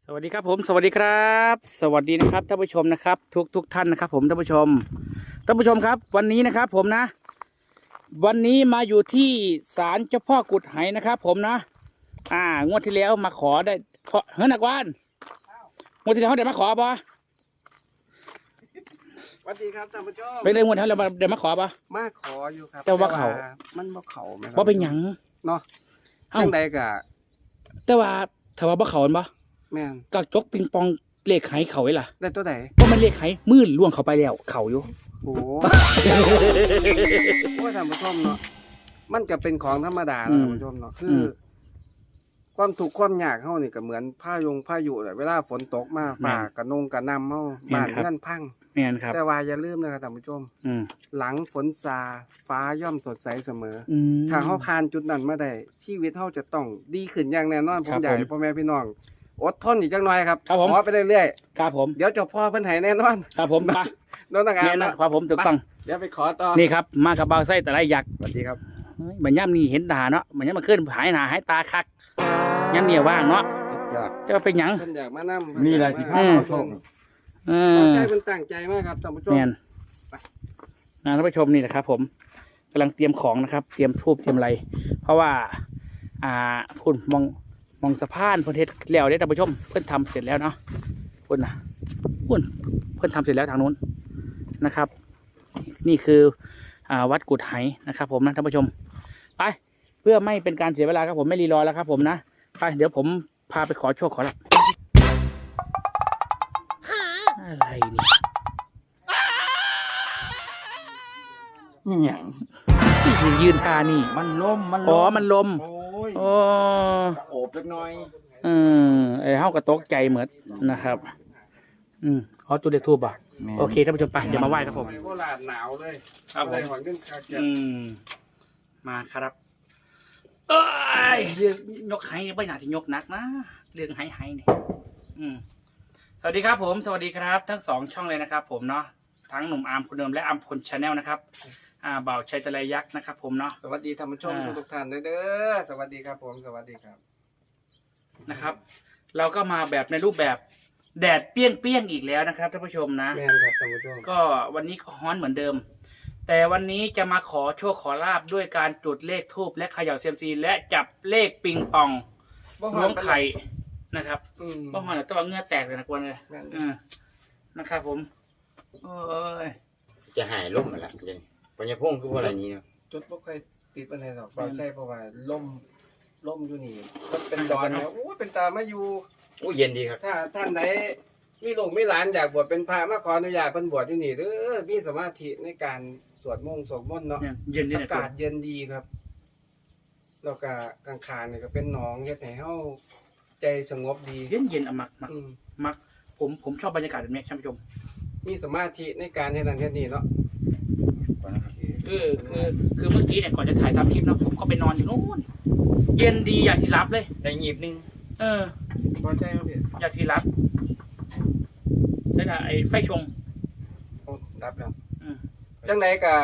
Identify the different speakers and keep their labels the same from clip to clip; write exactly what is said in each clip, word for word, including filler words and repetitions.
Speaker 1: สวัสดีครับผมสวัสดีครับสวัสดีนะครับท่านผู้ชมนะครับ ทุกทุกท่านนะครับ ผมท่านผู้ชมท่านผู้ชมครับ วันนี้นะครับ ผมนะ วันนี้มาอยู่ที่ศาลเจ้าพ่อกุดไหนะครับ ผมนะ อ่างวดที่แล้วมาขอได้ขอเฮ้ยนักวานงวดที่แล้วเขาได้มาขอปะ
Speaker 2: สวัสดีครับท่านผู้ชม
Speaker 1: ไปเลยงวดที่แล้วเดี๋ยวมาขอปะ
Speaker 2: มาขออยู่ครับ
Speaker 1: แต่ว่าเขา
Speaker 2: มันบ่เขาไหมครับ
Speaker 1: ว่าเป็นหยัง
Speaker 2: เนาะ
Speaker 1: เอ้า
Speaker 2: จังใดกะ
Speaker 1: แต่ว่าถ้าว่าบ่เขาอันปะ
Speaker 2: แม่น
Speaker 1: กระจกปิงปองเลขไขเขาไว้ล่ะ
Speaker 2: ได้ตัวไหน
Speaker 1: เพราะมันเลขไขมืดล่วงเขาไปแล้วเขาอยู่
Speaker 2: โอ้โห โอ้ยท่านผู้ชมเนาะมันก็เป็นของธรรมดา
Speaker 1: อื
Speaker 2: เนาะ
Speaker 1: ม
Speaker 2: ท่านผู้ชมเนาะคื
Speaker 1: อื
Speaker 2: อ
Speaker 1: ม
Speaker 2: ความถูกข์ความยากเฮานี่ก็เหมือนพายุงพายุแหละเวลาฝนตกมา
Speaker 1: แม่น
Speaker 2: ฟ้ากระนงกระนำเฮา
Speaker 1: แม่น
Speaker 2: บ้าน
Speaker 1: ครับ
Speaker 2: เรือนพัง
Speaker 1: แม่นครับ
Speaker 2: แต่ว่าอย่าลืมนะครับท่านผู้ชม
Speaker 1: อืม
Speaker 2: หลังฝนซาฟ้าย่อมสดใสเสมอ
Speaker 1: อืม
Speaker 2: ถ้าเขาผ่านจุดนั้นมาได้ชีวิตเขาจะต้องดีขึ้นอย่างแน่นอนผ
Speaker 1: ครั
Speaker 2: ม
Speaker 1: บ
Speaker 2: อยาก
Speaker 1: ผม
Speaker 2: ให้พ่อแม่พี่น้องอดทนอีกจังหน่อยครับ
Speaker 1: ครับผม
Speaker 2: ขอไปเรื่อย
Speaker 1: ครับผม
Speaker 2: ๆเดี๋ยวเจ้าพ่อเพิ่นให้แน่นอน
Speaker 1: ครับผมไป
Speaker 2: โน้นต่างงา
Speaker 1: แน่
Speaker 2: น
Speaker 1: นะ
Speaker 2: นะครับ
Speaker 1: ผมถูกต้อง
Speaker 2: เดี๋ยวไปขอต่อ
Speaker 1: นี่ครับมากับเบาไส้แต่ไรยักษ์
Speaker 2: สวัสดีครับ
Speaker 1: เฮ้ยมันย่ำนี่เห็นตาเนาะมันย่ำมาขึ้นหายหนาหายตาคักย่ำเนี่ยว่างเนาะ
Speaker 2: สุดยอด
Speaker 1: จะเป็นหยัง
Speaker 2: เพิ่นอยากมานำ
Speaker 3: มีอะไรที่พา
Speaker 1: อืม
Speaker 3: เราชม
Speaker 1: เอ
Speaker 2: ตั้ง
Speaker 1: อ
Speaker 2: ใจเพิ่นตั้งใจมากครับท่านผู้ชม
Speaker 1: แมนนะท่านผู้ชมนี่นะครับ ผมกำลังเตรียมของนะครับ เตรียมทูบเตรียมอะไร เพราะว่า อ่าพุ่นมองมองสะพานเพื่อนเทศแล้วเนี่ยท่านผู้ชมเพื่อนทำเสร็จแล้วเนาะพุ่นนะพุ่นเพื่อนทำเสร็จแล้วทางนู้นนะครับ นี่คือ อ่าวัดกุดไหนะครับ ผมนะท่านผู้ชมไปเพื่อไม่เป็นการเสียเวลาครับผมไม่รีรอแล้วครับ ผมนะไปเดี๋ยวผมพาไปขอโชคขอลาภอะไรนี่
Speaker 3: นี่หยัง
Speaker 1: ที่สิยืนทานี่
Speaker 3: มันลมมันลม
Speaker 1: อ๋อมันลม
Speaker 3: โอ้ย
Speaker 1: โอ้
Speaker 3: โอบเล็กน้อย
Speaker 1: อืมไอ้เฮากระตกใจเหมือนนะครับ อืมอ๋อจุดเด็กทูบอ่ะโอเคท่านผู้ชมไปเดี๋ยวมาไหว้ครับผม
Speaker 2: ไปโคราชหนาวเลย
Speaker 1: ครับผม
Speaker 2: เลยหวังขึ้นคาเกีย
Speaker 1: อืมมาครับเอ้ยเรื่องยกไห้เนี่ยไม่น่าจะยกหนักนะเรื่องไห้ไห้เนี่ยอืมสวัสดีครับผม สวัสดีครับ ทั้งสองช่องเลยนะครับ ผมเนาะทั้งหนุ่มอาร์มคนเดิมและอาร์มพลชาแนลนะครับ อ่าบ่าวชัยตะไลยักษ์นะครับผมเนาะ
Speaker 2: สวัสดีท่านผู้ชม
Speaker 1: อ่า
Speaker 2: ทุกๆท่านเด้อสวัสดีครับผมสวัสดีครับ
Speaker 1: นะครับ เราก็มาแบบในรูปแบบแดดเปรี้ยงเปี้ยงๆอีกแล้วนะครับท่านผู้ชมนะ
Speaker 2: แม่นครับท่านผู้ชม
Speaker 1: ก็วันนี้ก็ฮ้อนเหมือนเดิม แต่วันนี้จะมาขอโชคขอลาบด้วยการจุดเลขทูบและเขย่าเซียมซีและจับเลขปิงปอง
Speaker 2: บ่
Speaker 1: ล้วงไข่นะครับ
Speaker 2: อืม
Speaker 1: บ้องหอนตัวเหงื่อแตกเลยนะกวนเลย
Speaker 2: แม่น
Speaker 1: เออนะครับผมโอ้ย
Speaker 3: จะหายลมมาละเดี๋ยวนี้ปัญญาพงศ์คือว่าอะไรนี้เนาะ
Speaker 2: จุดบ่ค่อยติดปัญหาหรอกเราใช่เพราะว่าล่มล่มอยู่นี่มันเป็นดอนนะโอ้ยเป็นตามาอยู่
Speaker 3: โอ้ยเย็นดีครับ
Speaker 2: ถ้าท่านไหนมีลูกมีหลานอยากบวชเป็นพระมาขออนุญาตเพิ่นบวชอยู่นี่เด้อมีสมาธิในการสวดมนต์สวดมนต์เนาะ
Speaker 1: เนี่ยเย็นดี
Speaker 2: อา
Speaker 1: นะ
Speaker 2: กาศเย็นดีครับแล้วก็กลางคานนี่ก็เป็นหนองเฮ็ดให้เฮาใจสงบดี
Speaker 1: เย็นเย็นๆอะมักมัก
Speaker 2: อืม
Speaker 1: มักผมผมชอบบรรยากาศแบบนี้ท่านผู้ชม
Speaker 2: มีสมาธิในการเฮ็ดนั้นเฮ็ดนี่เนาะ
Speaker 1: คือคือคือเมื่อกี้เนี่ยก่อนจะถ่ายทำคลิปเนาะผมก็ไปนอนอยู่นู้นเย็นดีอยากสิรับเลย
Speaker 3: ได้งีบหนึง
Speaker 1: เออ
Speaker 2: พอใจบ่พี่
Speaker 1: อยากสิรับใช่ละไอ้ไฟชง
Speaker 2: โอ้รับแล้ว
Speaker 1: อืม
Speaker 2: จังใดก็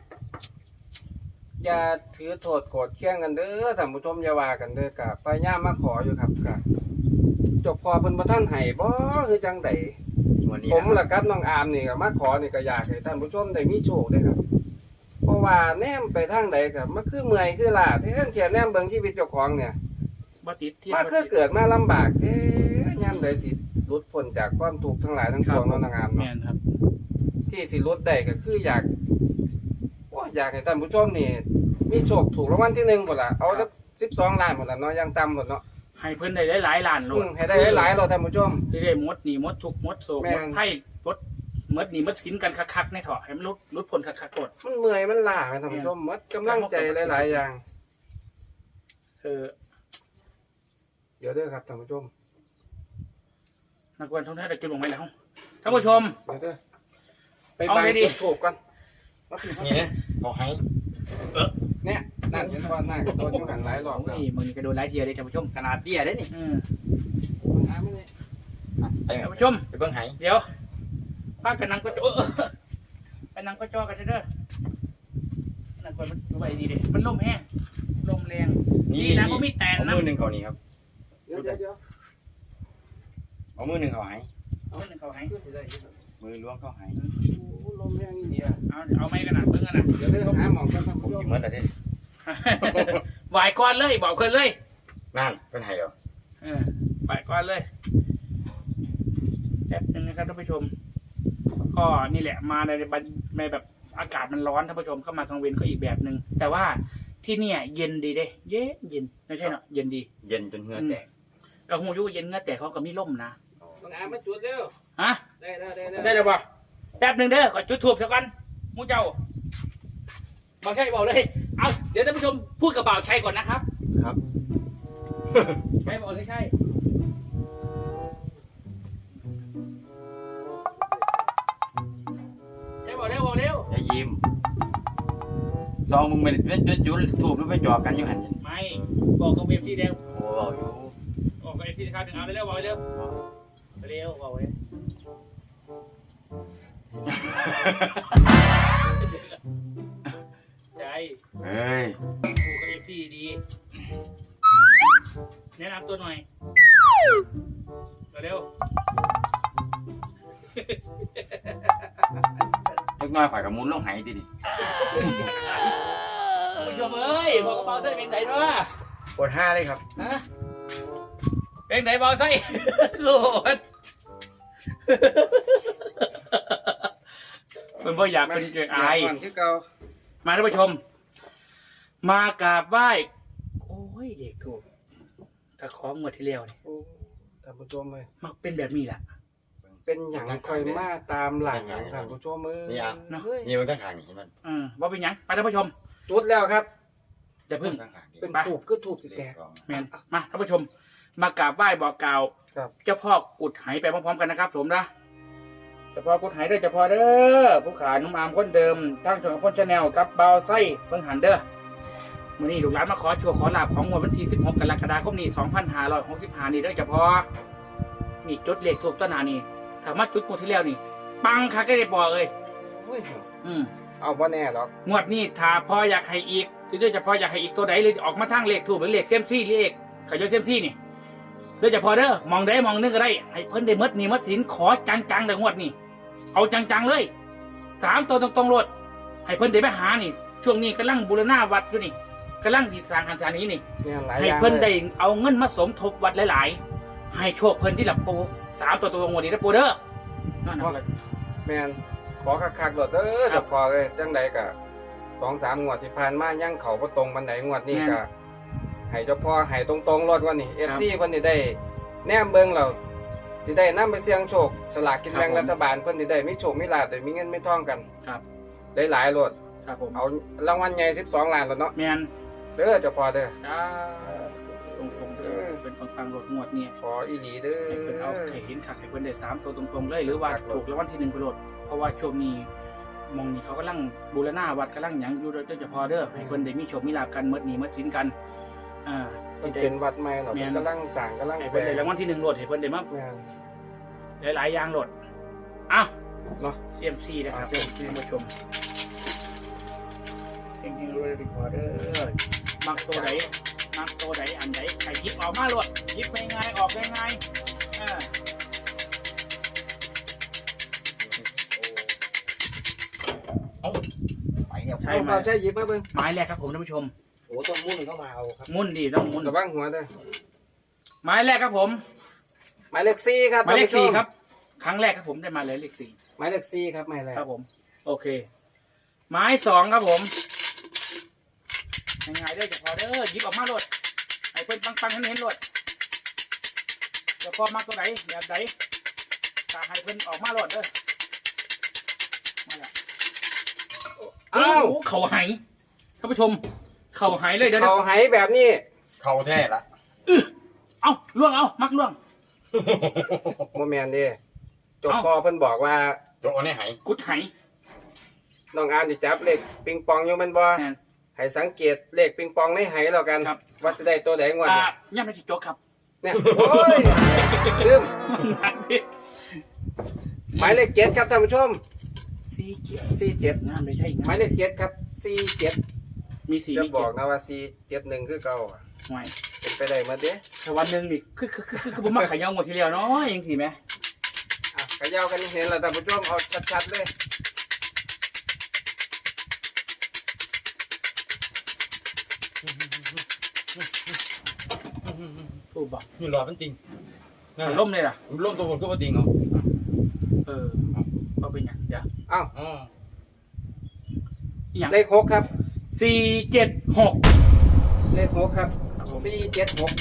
Speaker 2: อย่าถือโทษโกรธเคียงกันเด้อท่านผู้ชมอย่าว่ากันเด้อก็พยายามมาขออยู่ครับก็จบพอเพิ่นบ่ทันให้บ่คือจังใด
Speaker 3: วันนี้
Speaker 2: ผม
Speaker 3: นะ
Speaker 2: และกับน้องอามนี่ก็มาขอนี่ก็อยากให้ท่านผู้ชมได้มีโชคเด้อครับ เพราะว่าแนมไปทางใดก็มันคือเมื่อยคือล้าแท้เทียแนมเบิ่งชีวิตเจ้าของเนี่ย
Speaker 1: บ่ติดที่
Speaker 2: มาคือเกิดมาลำบากแท้ยามใดสิหลุดพ้นจากความทุกข์ทั้งหลายทั้งปวงเนาะน้องอาม
Speaker 1: แม
Speaker 2: เนาะ
Speaker 1: นครับ
Speaker 2: ที่สิหลุดได้ก็คืออยากโอ้ยอยากให้ท่านผู้ชมนี่มีโชคถูกรางวัลที่หนึ่งหมดล่ะเอาสักสิบสองล้านหมดล่ะเนาะอยังต่ำหมดเนาะ
Speaker 1: ให้เพิ่นได้หลายๆล้านโล
Speaker 2: อื
Speaker 1: ด
Speaker 2: มให้ได้หลายๆเราท่านผู้ชม
Speaker 1: ที่ได้มดหนีมดทุกข์มดโศก
Speaker 2: แม่
Speaker 1: ม
Speaker 2: น
Speaker 1: ดไพ่มดมดหนีมดสินกันคักๆในเถาะให้มันลดลดผลคักๆกด
Speaker 2: มันเมื่อยมันล้าแม่ท่านผู้ชมหมดกำลังใจหลายๆอย่าง
Speaker 1: เออ
Speaker 2: เดี๋ยวเด้อครับท่านผู้ชม
Speaker 1: นักวันท่องเที่ยวได้จุดลงไปแล้วท่านผู้ชม
Speaker 2: เดี๋ยวเด้อไป
Speaker 1: เอา
Speaker 2: บาง
Speaker 1: เลยดิ
Speaker 2: จุดถูกก่อนมาผิด
Speaker 3: นี่นะขอให้
Speaker 2: เนี่ยนั่นเห็นว่าหน้าโดนอยู่หันหลายรอบแล้ว
Speaker 1: นี่มึงนี่ก็โดนไล่เทียเลยท่านผู้ชม
Speaker 3: ขนาดเตี้ยได้นี่
Speaker 1: อืม
Speaker 2: อ่าไม่ได้
Speaker 3: อ่ะไปไหม
Speaker 1: ท่านผู้ชม
Speaker 3: ไปเบิ่งไห
Speaker 1: เดี๋ยวพากันนั่งก็จอไปนั่งก็จอกันเด้อนั่งก่อนมันดูไปดีดิมันลมแห้งลมแรง
Speaker 3: นี่
Speaker 1: นี่นะก็มีแตน
Speaker 3: เอา
Speaker 1: นะ
Speaker 3: มือหนึ่งเขานี่ครับ
Speaker 2: เดี๋ยวเดี๋ยวเดี๋ยว
Speaker 3: เอามือหนึ่งเขาหาย
Speaker 1: เอาหนึ่งเขาให้
Speaker 2: ก็สิได้อยู่
Speaker 3: มือล้วงเขาหาย
Speaker 2: โอ้ลมแรงนี่อ่ะ
Speaker 1: เอาเอาไม่กันนะเพิ่งกันนะ
Speaker 2: เดี๋ยวได้หาหมองกันท่าน
Speaker 3: ผม
Speaker 2: ผู้ช
Speaker 3: สิ
Speaker 2: ม
Speaker 3: เหมือนแต่เด่น
Speaker 1: ไหวก่อนเลยบอกเพิ่นเลย
Speaker 3: นั่นเป็นไห้เหรอ
Speaker 1: เออไหวก่อนเลยแป๊บนึงนะครับท่านผู้ชม ก็นี่แหละมาในบรรในแบบอากาศมันร้อนท่านผู้ชมเข้ามากลางเวนก็อีกแบบหนึ่งแต่ว่าที่เนี่ยเย็นดีเด้เย็นเย็นไม่ใช่เนาะเย็นดี
Speaker 3: เย็นจนเหงื่อแตก
Speaker 1: กระหูยุเย็นเงี้ยแต่เขาก็มีร่มนะ
Speaker 2: น้องอามาจุดเร็ว
Speaker 1: ฮะ
Speaker 2: ได้แล้วได้แล้ว
Speaker 1: ได้เลยป่ะแป๊บหนึ่งเด้อขอจุดทูบสักกันมูเจ้าบอกใช่บอกเลยเอาเดี๋ยวท่านผู้ชมพูดกับบ่าวชัยก่อนนะครับ
Speaker 3: ครับ
Speaker 1: ใช่บอกเลยใช่ใช่บอกเร็วบอกเร็ว
Speaker 3: อย่ายิ้มซองมึงเป็นเป็นเป็นยุดถูกหรือไปจอกกันอยู่หัน
Speaker 1: ไม่บอกกับเอฟซีเร็ว
Speaker 3: โอ้บอกอยู่
Speaker 1: บอกกับเอฟซีนะครับหนึ่งเอาเร็วบอกเร็วเร็วบอกเลยใช่
Speaker 3: เฮ้ย
Speaker 1: พูดกับเอฟซีดีแนะนำตัวหน่อยเร็ว
Speaker 3: เล็กน้อยข่อยกับมูลลงหายดิดิ
Speaker 1: ผู้ชมเอ้ยบอกกระเป๋าไส้เป็นไหนด้วย
Speaker 3: ปวดห้าเลยครับ
Speaker 1: ฮะเป็นไหนบอกไส้โกรธเป็นพ่ออยากเป็นเกลืออาย
Speaker 2: ก่อนที่เก่า
Speaker 1: มาท่านผู้ชม มากราบไหว้โอ้ยเด็กถูกถ้าของงวดที่แล้วนี่
Speaker 2: โอ้ท่านผู้ชมเลย
Speaker 1: มักเป็นแบบนี้แหละ
Speaker 2: เป็นอย่างคอยมาตามหลังท่านผู้ชมมือ
Speaker 3: นี่อ่ะ
Speaker 2: เฮ้ย
Speaker 3: นี่มันตั้งขางนี่เห็นมัน
Speaker 1: อืมว่าเป็นหยังไปท่านผู้ชม
Speaker 2: จุดแล้วครับ
Speaker 1: อย่าเพึ่ง
Speaker 3: ตั้งขางนี่
Speaker 2: เป็นถูกก็ถูกสิแตก
Speaker 1: แมนมาท่านผู้ชม มากราบไหว้บอกกล่าว
Speaker 2: ครับ
Speaker 1: เจ้าพ่อกุดไหไปพร้อมๆกันนะครับผมนะเจ้าพ่อกุดไหเด้อเจ้าพ่อเด้อผู้ขานุ่มอามคนเดิมทั้งชนคนชาแนลกับเบาไส้เพิ่งหันเด้อมื่อนี้ลูกหลานมาขอโชว์ขอลาบของวันที่สิบหกกรกฎาคมนี้สองพันห้าร้อยหกสิบห้านี่เด้อเจ้าพ่อนี่จุดเลขถูกต้นหนานี่ถ้ามาจุดงวดที่แล้วนี่ ปังคักได้บอกเลย
Speaker 2: เฮ้ย
Speaker 1: อืม
Speaker 2: เอาบ่แน่หรอก
Speaker 1: งวดนี้ถ้าพ่ออยากให้อีกเด้อเจ้าพ่ออยากให้อีกตัวใดเลยออกมาทางเลขถูกหรือเลขเซยมซี่เลขขยนเซยมซี่นี่เด้อเจ้าพ่อเด้อมองได้มองนึงก็ได้ให้เพิ่นได้มดนี่มดสินขอจังๆแต่งวดนี่เอาจังๆเลยสามตัวตรงๆรถให้เพิ่นได้ไปหานี่ ช่วงนี้กำลังบูรณาวัดอยู่นี่กำลังดีสร้างคันสานี้นี่
Speaker 2: เนี่ยหลายอ
Speaker 1: ให้
Speaker 2: ย่าง
Speaker 1: เพิ่น
Speaker 2: เล
Speaker 1: ได้
Speaker 2: ย
Speaker 1: เอาเงินมาสมทบวัดหลายๆ ให้โชคเพิ่นที่หลับปูสามตัวตรงๆวันนี้นะปูเด้อนั่นนะ
Speaker 2: แมนขอคักๆโดดเด้อ
Speaker 1: ครั
Speaker 2: เดี๋
Speaker 1: บ
Speaker 2: ยวพอเลยจังใดกะสองสามงวดที่ผ่านมายังเขาบ่ตรงบันไดงวดนี้
Speaker 1: แม่น
Speaker 2: กะให้เจ้าพ่อให้ตรงๆรถวันนี้ เอฟ ซี เพิ่นสิได้แนมเบิ่งเราสิได้นำไปเสี่ยงโชคสลากกินแบ่ง
Speaker 1: ครับผม
Speaker 2: รัฐบาลเพิ่นสิได้มีโชคมีลาภได้มีเงินมีทองกัน
Speaker 1: ครับ
Speaker 2: ได้หลายรถ
Speaker 1: ครับผม
Speaker 2: เอารางวัลใหญ่สิบสองล้านแล้วเนาะ
Speaker 1: แมน
Speaker 2: เด้อเจ้าพ่อเด้อ
Speaker 1: จ้าตรงๆเด้อเป็นปังๆรถงวดเนี่ย
Speaker 2: ขออีหลีเด้อ
Speaker 1: ให้เพิ่นเอาไข่เห็นขักให้เพิ่นได้สามตัวตรงๆเลยหรือว่าถูกรางวัลที่หนึ่งไปโหลดเพราะว่าช่วงนี้มองนี่เขากำลังบูรณาวัดกำลังหยังอยู่เด้อเจ้าพ่อเด้อให้เพิ่นได้มีโชคมีลาภกันเมื่อนี้เมื่อสินกันอ่า
Speaker 2: มัน
Speaker 1: ที่ได้
Speaker 2: เป็นวัดใหม่เนาะ
Speaker 1: แม่น
Speaker 2: กำลังสร้างกำลัง
Speaker 1: ให้
Speaker 2: แปล
Speaker 1: เพิ่นได้รางวัลที่หนึ่งโหลดให้เพิ่นได้มา
Speaker 2: แม่น
Speaker 1: หลายๆอย่างโหลดอ้าว
Speaker 2: เนาะ
Speaker 1: ซี เอ็ม ซี นะครับท่านผู้ชมเฮงๆรวยๆดีกว่าเด้อมักตัวไหนมักตัวไหนอันไหนใครยิบออกมาโหลดยิบง่ายๆออกง่ายๆอ่า
Speaker 3: เอ้าไปเนี่ย
Speaker 1: ใช่
Speaker 2: เอา
Speaker 1: ไหม
Speaker 2: เอาใช่หยิบมาเบิ่ง
Speaker 1: ไม้แรกครับผมท่านผู้ชม
Speaker 3: โอ้ต้องมุ่นเข้ามาเอาครับ
Speaker 1: มุ่นดีต้องมุ่น
Speaker 2: ระวังหัวเด้อ
Speaker 1: ไม้แรกครับผม
Speaker 2: หมายเลขสี่ครับ
Speaker 1: หมายเลข
Speaker 2: ท่นผู้ช
Speaker 1: สี่ครับ ครั้งแรกครับผมได้มาเลยเลขสี่
Speaker 2: หมายเลขสี่ครับหมายเลข
Speaker 1: ครับผม โอเค ไม้สองครับผมง่ายๆเด้อจะพอเด้อหยิบออกมาโหลดให้เพิ่นปังๆให้เห็นโหลดจะพอมาตัวไหนแบบไหนถ้าให้เพิ่นออกมาโหลดเด้อมาละ
Speaker 2: อ้าว
Speaker 1: โอ้โหเขาหายท่านผู้ชม เขาหายเลยเดี๋ยว
Speaker 2: เขาไหแบบนี้
Speaker 3: เข้าแท้ละ
Speaker 1: ๆเอาล่วงเอามักล่วง
Speaker 2: โมแมนเดิจบ
Speaker 1: เอ้า
Speaker 2: พอเพิ่นบอกว่า
Speaker 3: โจกเอาในหาย
Speaker 1: กุดหาย
Speaker 2: น้องอามสิจับเลขปิงปองอยู่แมันบ่
Speaker 1: แน่น
Speaker 2: ให้สังเกตเลขปิงปองในไหแล้วกัน
Speaker 1: ครับ
Speaker 2: ว่าจะได้ตัวไหนงวด
Speaker 1: อ่า
Speaker 2: นี้
Speaker 1: ย่ำไม่ใช่โจ๊กครับ
Speaker 2: เนี่ยโอ้ยลืม
Speaker 1: หนักดิ
Speaker 2: หมายเลขเจ็ดครับท่านผู้ชม
Speaker 1: สี่เกียร์
Speaker 2: สี่เจ็ด
Speaker 1: งานไม่ใช่งาน
Speaker 2: หมายเลขเจ็ดครับสี่เจ็ด
Speaker 1: มีสี่
Speaker 2: จะ
Speaker 1: มี
Speaker 2: บ
Speaker 1: เจ็
Speaker 2: อ
Speaker 1: ด
Speaker 2: กนะว่าสี่เจ็ดหนึ่งคือเก่าอะ
Speaker 1: หน่วย
Speaker 2: เป็นไปได้หมาเด้
Speaker 1: แต่วันหนึ่งนี่คือคือคือคือผมมาขายยาวหมดทีเดียวเนาะยังสิไหม
Speaker 2: อ่ะกระยาวกันเห็นแล้วท่านผู้ชมเอาชัดๆเลย
Speaker 1: ถูกบอก
Speaker 3: นี่หลอดมันจริง
Speaker 1: มันล่มเลยล่ะ
Speaker 3: มันล่มตัวคนก็มาจริงเหรอ
Speaker 1: เออเอาเป็นอย่างเดี๋ยว
Speaker 2: อ้าว
Speaker 3: อ๋อ
Speaker 1: อย่าง
Speaker 2: เลขหกครับ
Speaker 1: สี่เจ็ดหก
Speaker 2: เลขหกครับสี่เจ็ดหก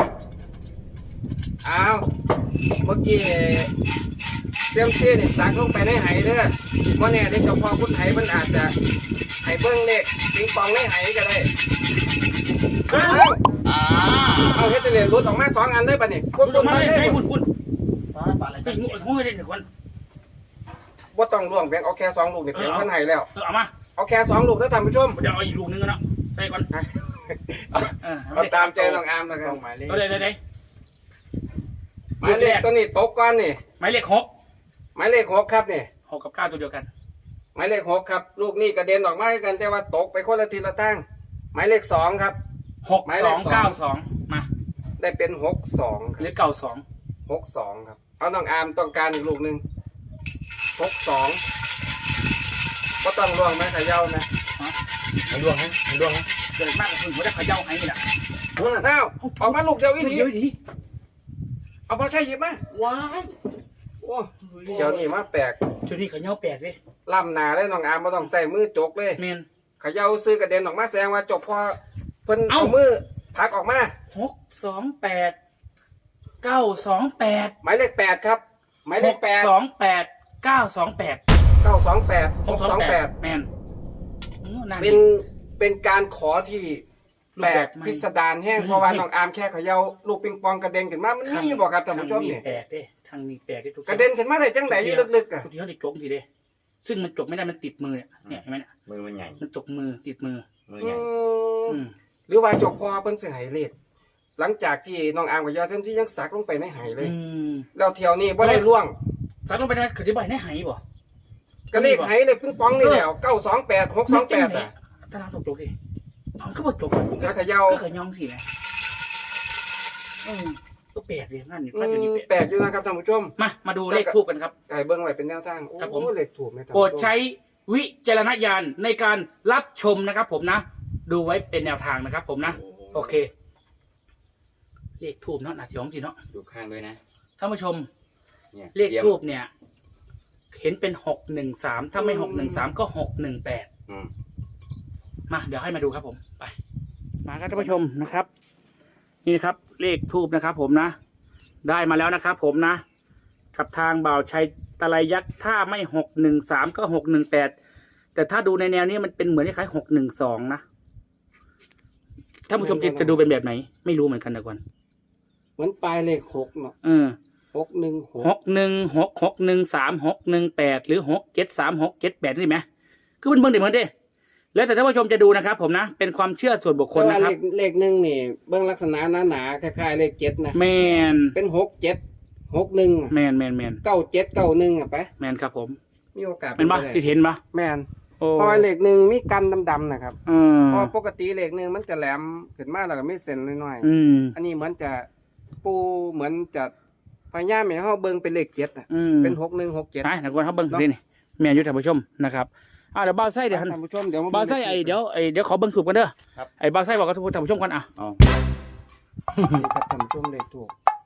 Speaker 2: อ้าวเมื่อกี้เซียมซีนี่สักลงไปในไหเด้อว่าเนี่ยเด็กกับพ่อพุทธไหมันอาจจะไหเบิ้งเลขปิงปองในไหก็ได้เอาเอาเฮดเตอร์รุดออกมาสองอันได้ป่ะนี่พุ่น
Speaker 1: คุ
Speaker 2: พุ่
Speaker 1: ณ
Speaker 2: น
Speaker 1: มา
Speaker 2: มา
Speaker 1: เลย
Speaker 2: เลย
Speaker 1: ใช่คุณคุณ
Speaker 3: ปลาปลาอะไร
Speaker 1: ไอ้งูงูเลยเด็กคน
Speaker 2: ว่าต้องล่วงแบงเอาแค่สองลูกนี่เพียงพันไหแล้ว
Speaker 1: เออเอามา
Speaker 2: เอาแค่สองลูกแล้วท่านผู้ชม
Speaker 1: เดี๋ยวเอาอีกลูกนึงกันเนาะใช่ก่อนเออ
Speaker 2: เอาตามใจน้องอาร์มนะครั
Speaker 3: ต้
Speaker 2: บ
Speaker 3: องหมายเลข
Speaker 1: ตัวใดตัวใด
Speaker 2: หมายเลขตัวนี้ตกก้อนนี่
Speaker 1: หมายเลขหก
Speaker 2: หมายเลขหกครับนี่
Speaker 1: หกกับเก้าตัวเดียวกัน
Speaker 2: หมายเลขหกครับลูกนี่กระเด็นออกมาด้วยกันแต่ว่าตกไปคนละทีละตั้งหมายเลขสองครับ
Speaker 1: หกสองเก้าสองมา
Speaker 2: ได้เป็นหกสองค
Speaker 1: หรื
Speaker 2: รับ
Speaker 1: อเก้าสอง
Speaker 2: หกสองครับเอาน้องอาร์มต้องการอีกลูกหนึ่งหกสองก็ต้องล่วงไหมขย่านะ
Speaker 3: มันดวงไหมมันดวงไหม
Speaker 1: เกิดมากกว่าคุณผมได้ขย่าให้นี่แหละ
Speaker 2: อ้าวออกมาลูกเดียวอีนี้
Speaker 1: เดี๋ยวดี
Speaker 2: เอามาใช่หยิบมา
Speaker 1: ว้าย
Speaker 2: โอ้เดี๋ยวนี้มาแปลก
Speaker 1: ตัวนี้ขย่าแปลกเลย
Speaker 2: ล่ำหนาเลยน้องอาร์มไม่ต้องใส่มือจกเลย
Speaker 1: เมน
Speaker 2: เขย่าซื้อกระเด็นออกมาแสดงว่าจบพอเพิ่น
Speaker 1: เอ้า
Speaker 2: เอามือทักออกมา
Speaker 1: หกสองแปดเก้าสองแปด
Speaker 2: หมายเลขแปดครับหมายเลขแปด
Speaker 1: สองแปดเก้าสองแปด
Speaker 2: เก้าสองแปดหกสองแปด
Speaker 1: แมนโอ้นั่น
Speaker 2: เป็นเป็นการขอที่
Speaker 1: รู
Speaker 2: แป
Speaker 1: ป
Speaker 2: ล
Speaker 1: แบ
Speaker 2: ก
Speaker 1: บใหม่
Speaker 2: พิสดารแห้ง
Speaker 1: เฮ้ย
Speaker 2: เพราะว่าน้องอาร์มแค่เขย่าลูกปิงปองกระเด็นขึ้นมามันนี่บอกครับท่านผู้ชม
Speaker 1: ทง
Speaker 2: นี่
Speaker 1: แปลกเด้ทางนี้แปลกเด้ทุก
Speaker 2: กระเด็นขึ้นมาได้จังไหนอยู่ลึกๆอ่ะ
Speaker 1: ทุกทีเขาได้จกทีเด้ซึ่งมันจกไม่ได้มันติดมือเนี่ยเนี่ยเห็นไหมเนี่ย
Speaker 3: มือมันใหญ่
Speaker 1: มันจกมือติดมือ
Speaker 3: มือ
Speaker 2: อื
Speaker 3: ใหญ่
Speaker 2: ม
Speaker 1: อืม
Speaker 2: หรือว่าจบพอเพิ่นสิให้เลขหลังจากที่น้องอาร์มกับยาเท่นที่ยังสักลงไปในไหเลย
Speaker 1: อืม
Speaker 2: แล้วเที่ยวนี้บ่ได้ล่วง
Speaker 1: สารลงไปได้คือที่บ่ายได้หายบ่
Speaker 2: ก็เลขไหเลขปิงปองนี่แหละเก้าสองแปดหกสองแปดอ่ะ
Speaker 1: ตารางส่งจกดิน้องก็บ่จก
Speaker 2: แล้วเขย่า
Speaker 1: ก็ขย่องสิแหมอืมก็แปลกเลยนั่นนี่
Speaker 2: อื
Speaker 1: ป้าเดี๋ยวนี้
Speaker 2: ม
Speaker 1: แปลก
Speaker 2: แปลกอยู่นะครับท่านผู้ชม
Speaker 1: มามาดูเลขทูบกันครับ
Speaker 2: ไก่เบิ้งไว้เป็นแนวทางโอ้
Speaker 1: ครับผม
Speaker 2: เลขถูกไหมท่าน
Speaker 1: โปร
Speaker 2: ผู้
Speaker 1: ด
Speaker 2: ชม
Speaker 1: ใช้วิจารณญาณในการรับชมนะครับผมนะ ดูไว้เป็นแนวทางนะครับผมนะ โอเค เลขทูบเนาะหนาทีของจีเนาะ
Speaker 3: ดูข้างด้วยนะ
Speaker 1: ท่านผู้ชม
Speaker 3: เนี่ย
Speaker 1: เลขทูบเนี่ย เห็นเป็นหกหนึ่งสามถ้าไม่หกหนึ่งสามก็หกหนึ่งแปด
Speaker 3: อืม
Speaker 1: มาเดี๋ยวให้มาดูครับผมไป มาครับท่านผู้ชมนะครับ นี่นะครับ เลขทูบนะครับ ผมนะ ได้มาแล้วนะครับ ผมนะกับทางบ่าวชัยตะไลยักษ์ถ้าไม่หกหนึ่งสามก็หกหนึ่งแปดแต่ถ้าดูในแนวนี้มันเป็นเหมือนคล้ายหกหนึ่งสองนะท่านผู้ชมจะจะดูเป็นแบบไหน ไม่รู้เหมือนกันนะก่อน
Speaker 2: เหมือนปลายเลขหกเนาะ
Speaker 1: เออ
Speaker 2: หกหนึ่งหก
Speaker 1: หกหนึ่งหกหกหนึ่งสามหกหนึ่งแปดหรือหกเจ็ดสามหกเจ็ดแปดนี่ไหมคือมันเบิ่งเดี๋ยวมันเด้แล้วแต่ท่านผู้ชมจะดูนะครับ ผมนะเป็นความเชื่อส่วนบุคคล
Speaker 2: แต่ว่า
Speaker 1: นะค
Speaker 2: เล
Speaker 1: รับ
Speaker 2: ขเลขหนึ่งนี่เบื้องลักษณะหนาหนาๆคล้ายๆเลขเจ็ดนะ
Speaker 1: แมน
Speaker 2: เป็นหกเจ็ดหกหนึ่ง
Speaker 1: แมนแมนแมน
Speaker 2: เก้าเจ็ดเก้าหนึ่งอ่ะไป
Speaker 1: แมนครับผม
Speaker 2: มีโอกาส
Speaker 1: เป็นปะ
Speaker 2: ไปได้
Speaker 1: ที่เห็นปะ
Speaker 2: แมน
Speaker 1: โอ้
Speaker 2: เพราะว่าเลขหนึ่งมีกันดำๆนะครับ
Speaker 1: เออ
Speaker 2: เพราะปกติเลขหนึ่งมันจะแหลมขึ้นมาแล้วก็มีเส้นน้อย
Speaker 1: อืม
Speaker 2: ๆอันนี้เหมือนจะปูเหมือนจะพยายามให้เขาเบิ่งเป็นเลขเจ็ดอ่ะ
Speaker 1: อืม
Speaker 2: เป็นหกหนึ่งหกเจ็ด
Speaker 1: นะนักวนเขาเบิ้งสินี่แม่อายุท่านผู้ชมนะครับอ่าเดี๋ยวบ้าวไส้เดี๋ยวหัน
Speaker 2: ท่านผู้ชมเดี๋ยวม
Speaker 1: บ้าวไส้ไอเดี๋ยวไอเดี๋ยวขอเบิ้งถูกกันเด้อ
Speaker 3: ครับ
Speaker 1: ไอบ้าวไส้บอกกับท่านผู้ชมกันอ่ะ
Speaker 3: เอา
Speaker 2: นี่ครับท่านผู้ชมเลขถูก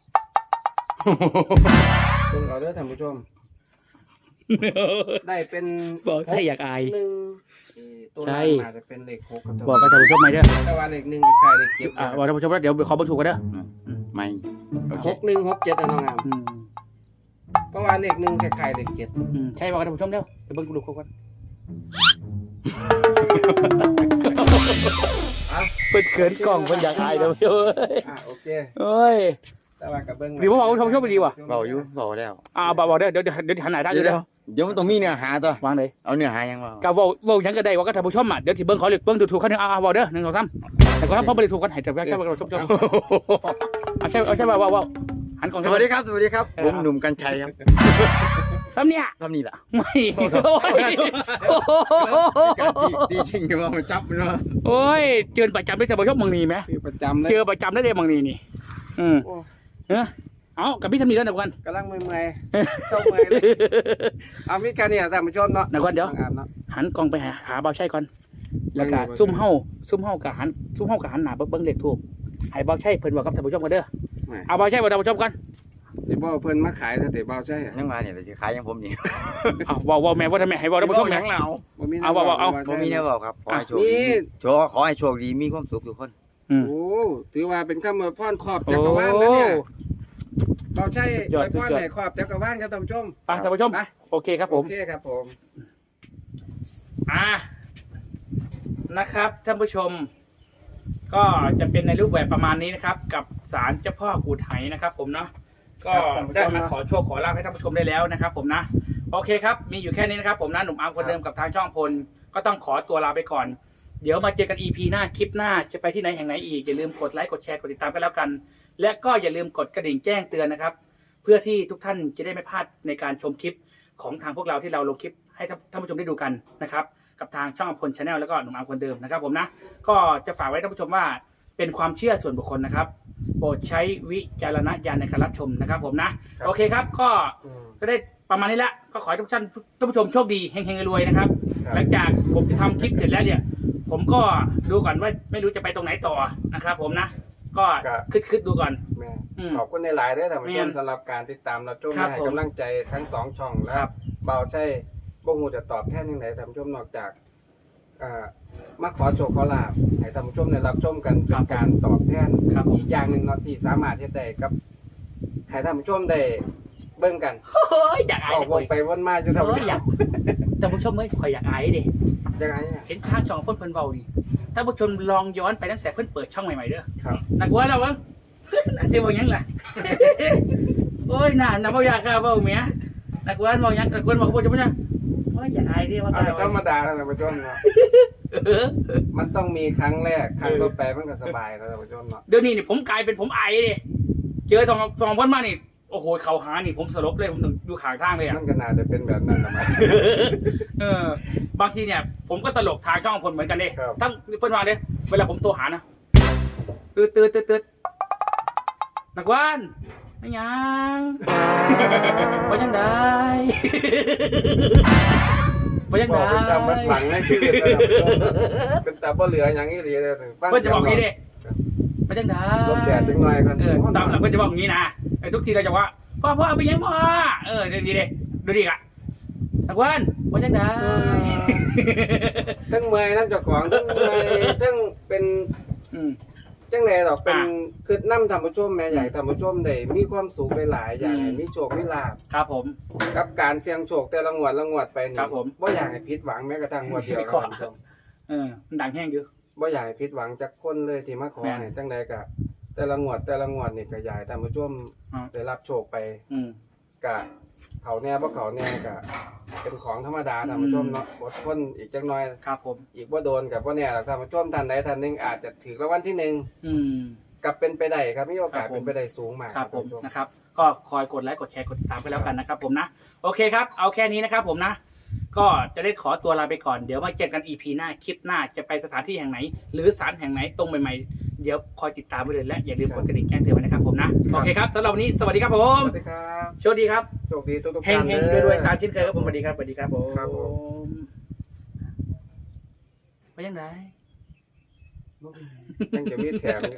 Speaker 2: เบิ่งเอาเด้อท่านผู้ชม ได้เป็น
Speaker 1: บอกไส้อยากอาย
Speaker 2: หนึ่งที่ตัว
Speaker 1: ใช่
Speaker 2: นั้นอาจจะเป็นเลขหกครับ
Speaker 1: บอกกับท่านผู้ชมไหมเด้อ
Speaker 2: แต่ว่าเลขหนึ่งคล้ายๆเลขเจ็ด
Speaker 1: อ่าบอกท่านผู้ชมว่าเดี๋ยวขอเบิ้งถูกกันเด้อ
Speaker 3: อืมไม่โอเค
Speaker 2: หกหนึ่งหกเจ็ดอะน้องงาม
Speaker 1: อืม
Speaker 2: เพราะว่าเลขหนึ่งคล้ายๆเลขเจ็ด
Speaker 1: อืมใช่บอกกับท่านผู้ชมเด้อเดี๋ยวเบิ้งถูกกัน
Speaker 2: อ่ะ
Speaker 1: เปิดเขินกล้องเพิ่นอยากอายเด้อผู้ชม
Speaker 2: อ่ะโอเค
Speaker 1: เอ้ย
Speaker 2: แต่ว่ากับเบิ้ง
Speaker 1: หรือว่าบอกว่าท่านผู้ชมไม่ดีว่ะ
Speaker 3: เบาอยู่เบาแล้ว
Speaker 1: อ่าบอกบอกเด้อเดี๋ยวเดี๋ยวเดี๋ยวหันหน้าได้อ
Speaker 3: เดี๋ย
Speaker 1: ยู่
Speaker 3: ว
Speaker 1: เด้อ
Speaker 3: เดี๋ยวเดี๋ยวมันต้องมีเนื้อหาตัว
Speaker 1: วางเลย
Speaker 3: เอาเนื้อหายังเปล่า
Speaker 1: กาเว้าเว้าหยังก็ได้ว่ากับท่านผู้ชมอ่ะเดี๋ยวที่เบิ้งขอเลือกเบิ้งถูกๆเขาหนึ่งอ่าบอกเด้อหนึ่งสองสามแต่ก็ทำเพราะบ่ได้ถูกกันให้แต่แค่ว่าเราชมๆเอาใช่เอาใช่ว่าว่าว่าหันกล่อง
Speaker 3: ส
Speaker 1: ใช่
Speaker 3: วัส
Speaker 1: ไหม
Speaker 3: ดีครับ สวัสดีครับ
Speaker 1: เออ
Speaker 3: ผมหนุ่มกัญชัยครับ
Speaker 1: ซ้ำเนี่ย
Speaker 3: ทำนี่ล่ะ
Speaker 1: ไม่โอ้ย
Speaker 3: ตีชิงกันว่ามันจับเนาะ
Speaker 1: โอ้ยเจอประจำได้จะมาชอบมังนีไหม
Speaker 2: คือประจำเลย
Speaker 1: เจอประจำได้เลยมังนีนี่อืม
Speaker 2: โอ้
Speaker 1: เออเอากับพี่ทำนี่แล้วนะกัน
Speaker 2: กำลังเมื่อยๆเศร้าเมื่อยเลยเอามีกันเนี่ยท่านผู้ชมเนาะ
Speaker 1: นะกันเดี๋ยว
Speaker 2: อ่านเนาะ
Speaker 1: หันกล้องไปหาหาเบาใช่ก่อนแล้วก็
Speaker 2: เบิ่งอยู่
Speaker 1: ซุ่มเฮาซุ่มเฮากับหันซุ่มเฮากับหันหน้าเบิ่งเบิ่งเลขทูบให้เบาใช่เพิ่นบอกกับท่านผู้ชมกันเด้อ
Speaker 2: ไม่
Speaker 1: เอาเบาใช่บอกท่านผู้ชมกัน
Speaker 2: สิบ่เพิ่นมาขายแต่เตะเบาใช่อะ
Speaker 3: ยังมาเนี่ยจะขายยังผมนี่
Speaker 1: เอาเว้าเว้าแม่ว่าทำไมให้เว้าท่านผู้ชม
Speaker 3: ห
Speaker 1: แม่
Speaker 3: นังเรา
Speaker 2: บ่มี
Speaker 1: เอาเอาเอา
Speaker 3: ผมมีแนวบอกครับขอให้โชค
Speaker 2: นี่
Speaker 3: ดีโชคขอให้โชคดีมีความสุขทุกคน
Speaker 1: อืม
Speaker 2: โอ้ถือว่าเป็นคำอวยพรครอบจักรวาลนะเนี่ยเบาใช่
Speaker 1: สุดย
Speaker 2: อ
Speaker 1: อด
Speaker 2: วยพร
Speaker 1: สุดยอด
Speaker 2: ให้ครอบจักรวาลครับท่านผู้ชม
Speaker 1: ไปท่านผู้ชม
Speaker 2: ไป
Speaker 1: โอเคครับผม
Speaker 2: โอเคครับผม
Speaker 1: อ่านะครับท่านผู้ชม ก็จะเป็นในรูปแบบประมาณนี้นะครับ กับศาลเจ้าพ่อกูดไหนะครับ ผมเนาะก็ได้มาขอโชคขอลาภให้ท่านผู้ชมได้แล้วนะครับ ผมนะโอเคครับมีอยู่แค่นี้นะครับ ผมนะหนุ่มอาร์มคนเดิมกับทางช่องพลก็ต้องขอตัวลาไปก่อน เดี๋ยวมาเจอกัน อี พี หน้าคลิปหน้าจะไปที่ไหนแห่งไหนอีกอย่าลืมกดไลค์กดแชร์กดติดตามกันแล้วกัน และก็อย่าลืมกดกระดิ่งแจ้งเตือนนะครับ เพื่อที่ทุกท่านจะได้ไม่พลาดในการชมคลิปของทางพวกเราที่เราลงคลิปให้ท่านผู้ชมได้ดูกันนะครับ กับทางช่องพลชาแนลแล้วก็หนุ่มอาร์มคนเดิมนะครับผมนะก็จะฝากไว้ท่านผู้ชมว่าเป็นความเชื่อส่วนบุคคลนะครับ โปรดใช้วิจารณญาณในการรับชมนะครับผมนะโอเคครับก็
Speaker 2: อืม
Speaker 1: ก็ได้ประมาณนี้ละก็ขอให้ทุกท่านท่านผู้ชมโชคดีเฮงๆรวยๆนะครับ
Speaker 2: ครับ
Speaker 1: หลังจากผมจะทำคลิปเสร็จแล้วเนี่ย ผมก็ดูก่อนว่าไม่รู้จะไปตรงไหนต่อนะครับผมนะ ก็คิดคิดๆดูก่อน
Speaker 2: แม่
Speaker 1: อืม
Speaker 2: ขอบคุณในหลายๆด้วยท่านผู้ช
Speaker 1: แม่
Speaker 2: ม
Speaker 1: น
Speaker 2: สำหรับการติดตามรับชม
Speaker 1: ครับ
Speaker 2: ให้
Speaker 1: ผม
Speaker 2: กำลังใจทั้งสองช่องและ
Speaker 1: ครับ
Speaker 2: เบาใช่บ่ฮู้จะตอบแทนยังไงท่านผู้ชมนอกจากอ่ามาขอโชคขอลาภให้ท่านผู้ชมได้รับชมกันเป็นการตอบแทน
Speaker 1: ครับผม
Speaker 2: อีกอย่างหนึ่งเนาะที่สามารถเฮ็ดได้กับให้ท่านผู้ชมได้เบิ่งกัน
Speaker 1: เฮ้ยอยากอาย
Speaker 2: ออก
Speaker 1: เล
Speaker 2: วย นไปวนมาอยู่ท่าน
Speaker 1: เฮ้
Speaker 2: ผู้
Speaker 1: ย
Speaker 2: ช
Speaker 1: อยาม กท่านผู้ชมเฮ้ยคอยอยากอายดิ
Speaker 2: ยังไงอ่ะ
Speaker 1: เห็นทางช่องเพิ่นเพิ่นเบาดิท่านผู้ชมลองย้อนไปตั้งแต่เพิ่นเปิดช่องใหม่ๆเด้อ
Speaker 2: ครับ
Speaker 1: นักว่าเราวะ น่าเสียว่าหยังล่ะ โอ้ยน่าน่าบ่อยากกล้าเว้าแหมนักว่าเว้าหยังนักว่าบอกบ่จะบ่นะโอ้ยอยากอายดิว่า
Speaker 2: เอา
Speaker 1: กล้า
Speaker 2: ธรรม
Speaker 1: เว้า
Speaker 2: ดาแล้วท่านผู้ชมเนาะ
Speaker 1: เออ
Speaker 2: มันต้องมีครั้งแรกครั้งต่อไปมันก็สบายแล้วท่านผู้ชมเนาะ
Speaker 1: เดี๋ยวนี้นี่ผมกลายเป็นผมไอดิเจอทองทองเพิ่นมานี่โอ้โหเขาหานี่ผมสลบเลยผมถึงอยู่ข้างทางเลยอ่ะ
Speaker 2: มันก็น่าจะเป็นแบบนั้นทำไม
Speaker 1: เออบางทีเนี่ย ผมก็ตลกทางช่องพลเหมือนกันเด้
Speaker 2: ครับ
Speaker 1: ทั้งเพิ่นว่าเด้เวลาผมโทรหานะตืดตืดตืดตืดนักวานไม่ยังว่ายังได้ว่ายัง
Speaker 2: บอ
Speaker 1: ได้
Speaker 2: กเป็นตาบัดหวังในชีวิตแล้วครับเป็นตาบ่เหลืออย่างนี้เลยฟัง
Speaker 1: เพิ่นจะบอกงี้เด้ว่ายังได้
Speaker 2: ลมแดดจังหน่อยกัน
Speaker 1: เออตามหลังเพิ่นจะบอกงี้นะไอ้ทุกทีเราจะว่าพ่อพ่อเอาไปยังพ่อเออดีดีเด้ดูดิอ่ะนักวานว่ายังได้
Speaker 2: ทั้งเมื่อยทั้งเจ้าของทั้งเมื่อยทั้งเป็น
Speaker 1: อืม
Speaker 2: จังไดดอกเป็น
Speaker 1: อ่ะ
Speaker 2: คือนํท่านผู้ชมแม่ใหญ่ท่านผู้ชมได้มีความสุขหลายๆอย่าง
Speaker 1: อืม
Speaker 2: ให้มีโชคมีลาภ
Speaker 1: ครับผม
Speaker 2: กับการเสี่ยงโชคแต่ละงวดละงวดไปนี่
Speaker 1: ครับผม
Speaker 2: บ่อยากให้ผิดหวังแม้กระทั่งงวดเดียว
Speaker 1: ไม่
Speaker 2: นะ
Speaker 1: ขอ
Speaker 2: ท่านผู้ชม
Speaker 1: เออมันดังแห้งอยู่
Speaker 2: บ่อยากให้ผิดหวังจากคนเลยที่มาขอ
Speaker 1: แม่น
Speaker 2: ให้จังใดก็แต่ละงวดแต่ละงวดนี่ก็อยากให้ท่านผู้ชม
Speaker 1: อ่า
Speaker 2: ได้รับโชคไป
Speaker 1: อืม
Speaker 2: กะเขาแน่บ่เขาแน่กะเป็นของธรรมดาท่านผู้ชมเนาะอดทนอีกจักหน่อย
Speaker 1: ครับผม
Speaker 2: อีกบ่โดนกับบ่แน่หรอกท่านผู้ชมท่านใดท่านหนึงอาจจะถือรางวัลที่หนึ่ง
Speaker 1: อืม
Speaker 2: กับเป็นไปได้ครับมีโอกาส
Speaker 1: ครับผม
Speaker 2: เป็นไปได้สูงมาก
Speaker 1: ครับผม
Speaker 2: ท่านผู้ชม
Speaker 1: นะครับ ก็คอยกดไลค์กดแชร์กดติดตามไปแล้วกันนะครับผมนะ โอเคครับ เอาแค่นี้นะครับผมนะ ก็จะได้ขอตัวลาไปก่อน เดี๋ยวมาเจอกัน อี พี หน้า คลิปหน้า จะไปสถานที่แห่งไหน หรือสถานแห่งไหนตรงใหม่ๆ เดี๋ยวคอยติดตามไปเลยและอย่าลืมกดกระดิ่งแจ้งเตือนไว้นะครับผมนะ โอเคครับสำหรับวันนี้สวัสดีครับผม
Speaker 2: สวัสดีครับ
Speaker 1: โชคดีครับ
Speaker 2: โชคดีทุกๆ
Speaker 1: เฮ
Speaker 2: ท่าง น
Speaker 1: เฮง
Speaker 2: เด้อ
Speaker 1: รวยๆตามเช่นเคยครับผมสวัสดีครับสวัสดีครับผม
Speaker 2: ครับผม
Speaker 1: ไปยังไง
Speaker 2: ยังจะมีแถม